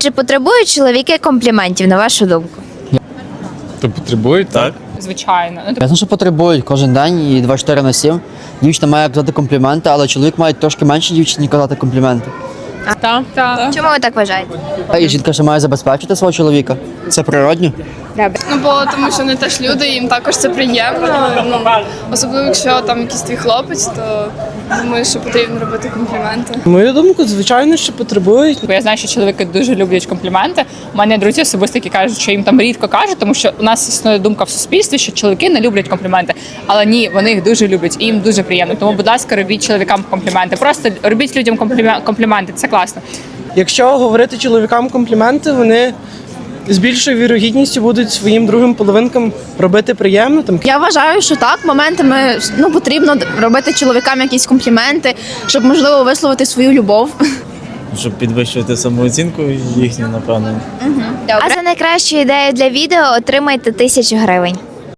Чи потребують чоловіки компліментів, на вашу думку? То потребують, так? Звичайно. Ясно, що потребують кожен день і 24/7. Дівчина має казати компліменти, але чоловік має трошки менше дівчині казати компліменти. Так. Чому ви так вважаєте? І жінка ще має забезпечити свого чоловіка. Це природньо. Ну, бо тому що вони теж люди, їм також це приємно. Ну, особливо, якщо там якийсь твій хлопець, то думаю, що потрібно робити компліменти. Мою думку, звичайно, що потребують. Бо я знаю, що чоловіки дуже люблять компліменти. У мене друзі особисто, які кажуть, що їм там рідко кажуть, тому що у нас існує думка в суспільстві, що чоловіки не люблять компліменти. Але ні, вони їх дуже люблять і їм дуже приємно. Тому, будь ласка, робіть чоловікам компліменти. Просто робіть людям компліменти. Це класно. Якщо говорити чоловікам компліменти, вони з більшою вірогідністю будуть своїм другим половинкам робити приємно. Я вважаю, що так, моментами потрібно робити чоловікам якісь компліменти, щоб, можливо, висловити свою любов. Щоб підвищувати самооцінку їхню, напевно. А за найкращу ідею для відео отримайте 1000 гривень.